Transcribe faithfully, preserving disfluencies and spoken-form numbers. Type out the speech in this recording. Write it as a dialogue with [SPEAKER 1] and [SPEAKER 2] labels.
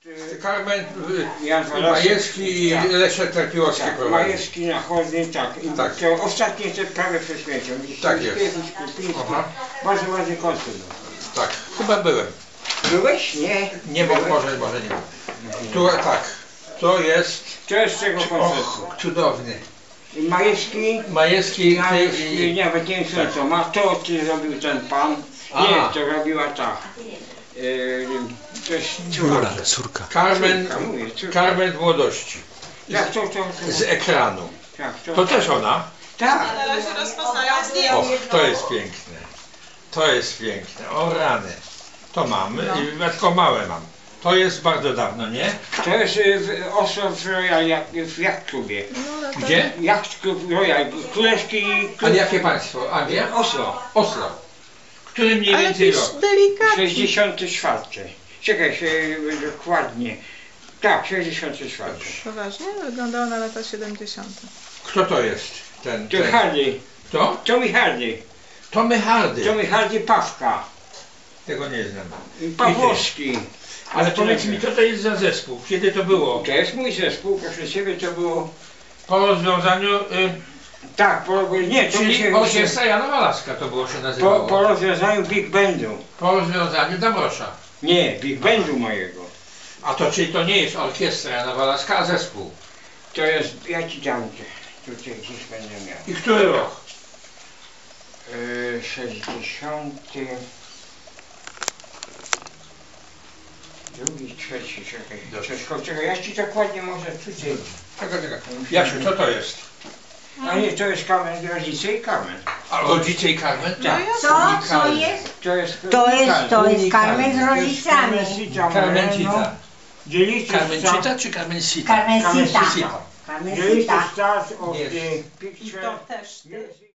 [SPEAKER 1] Carmen,
[SPEAKER 2] Jan
[SPEAKER 1] Majewski i
[SPEAKER 2] tak.
[SPEAKER 1] Leszek Trapiłowski
[SPEAKER 2] Tak,
[SPEAKER 1] prowadzi.
[SPEAKER 2] Majewski na chodnik, tak. I
[SPEAKER 1] Tak.
[SPEAKER 2] to ostatnie te prawie przez śmiecią.
[SPEAKER 1] Tak jest. Aha.
[SPEAKER 2] Bardzo ładny koncert był.
[SPEAKER 1] Tak, chyba byłem.
[SPEAKER 2] Byłeś? Nie.
[SPEAKER 1] Nie, bo
[SPEAKER 2] Byłeś?
[SPEAKER 1] może, może nie. Tu, tak, to jest...
[SPEAKER 2] To jest z tego koncertu.
[SPEAKER 1] Och, cudowny.
[SPEAKER 2] I Majewski,
[SPEAKER 1] Majewski
[SPEAKER 2] nawet,
[SPEAKER 1] i...
[SPEAKER 2] nawet nie wiem co ma, to ty robił ten pan.
[SPEAKER 1] A.
[SPEAKER 2] Nie, to robiła ta. Yy, to jest córka.
[SPEAKER 3] Córka.
[SPEAKER 1] Carmen,
[SPEAKER 2] Córka, mówię, córka.
[SPEAKER 1] Carmen w młodości.
[SPEAKER 2] Tak, to, to, to.
[SPEAKER 1] Z ekranu.
[SPEAKER 2] Tak, to,
[SPEAKER 1] To też ona?
[SPEAKER 2] tak.
[SPEAKER 4] Na razie rozpoznają zdjęcie.
[SPEAKER 1] Och, to jest piękne. To jest piękne. O rany. To mam. I tylko małe mam. To jest bardzo dawno, nie?
[SPEAKER 2] To jest y, w- Oslo w Royal jak, w Yacht Clubie.
[SPEAKER 1] Gdzie?
[SPEAKER 2] Yacht Club Royal, królewski klub.
[SPEAKER 1] Ale jakie państwo? Anglia?
[SPEAKER 2] Oslo.
[SPEAKER 1] Oslo. Który mniej
[SPEAKER 4] Ale
[SPEAKER 1] więcej
[SPEAKER 4] też
[SPEAKER 1] rok?
[SPEAKER 4] delikatnie.
[SPEAKER 2] sześćdziesiąty czwarty. Czekaj się y, dokładnie. Tak, sześćdziesiąty czwarty.
[SPEAKER 4] Poważnie? Wyglądało na lata siedemdziesiąte.
[SPEAKER 1] Kto to jest? Ten,
[SPEAKER 2] To
[SPEAKER 1] ten.
[SPEAKER 2] Hardy.
[SPEAKER 1] Kto?
[SPEAKER 2] Tommy Hardy.
[SPEAKER 1] Tommy Hardy.
[SPEAKER 2] Tommy Hardy Pawka.
[SPEAKER 1] Tego nie znam.
[SPEAKER 2] Pawłowski.
[SPEAKER 1] Ale powiedz mi, co to jest za zespół? Kiedy to było?
[SPEAKER 2] To jest mój zespół, proszę ciebie, to było...
[SPEAKER 1] Po rozwiązaniu... Y,
[SPEAKER 2] Tak, po, nie, to mi
[SPEAKER 1] czyli
[SPEAKER 2] się...
[SPEAKER 1] orkiestra Jana Walaska to było się
[SPEAKER 2] Po,
[SPEAKER 1] nazywało.
[SPEAKER 2] po rozwiązaniu Big Bandu.
[SPEAKER 1] Po rozwiązaniu Damrosza.
[SPEAKER 2] Nie, Big Bandu mojego.
[SPEAKER 1] A to czyli to nie jest orkiestra Jana Walaska, a zespół.
[SPEAKER 2] To jest, ja ci dam te, tutaj gdzieś będę miał.
[SPEAKER 1] I który rok?
[SPEAKER 2] Yy, sześćdziesiąty... Drugi, trzeci, czekaj.
[SPEAKER 1] Dobrze.
[SPEAKER 2] Czekaj, czekaj, ja ci dokładnie może tutaj...
[SPEAKER 1] Czekaj, czekaj. Jasiu, co to jest?
[SPEAKER 2] A nie, to jest Carmen, rodzice i Carmen.
[SPEAKER 1] A rodzice i Carmen?
[SPEAKER 2] Tak.
[SPEAKER 5] Co? Co jest?
[SPEAKER 2] To jest...
[SPEAKER 5] To jest, to jest
[SPEAKER 1] Unikalny.
[SPEAKER 5] Carmen z rodzicami.
[SPEAKER 1] Carmencita.
[SPEAKER 2] Dzielicie
[SPEAKER 1] Carmencita czy Carmencita?
[SPEAKER 5] Carmencita.
[SPEAKER 1] Carmencita.
[SPEAKER 2] Dzielicie
[SPEAKER 5] Carmencita.
[SPEAKER 2] start of
[SPEAKER 1] Jest.
[SPEAKER 2] the picture.
[SPEAKER 4] I to też.
[SPEAKER 2] Yes,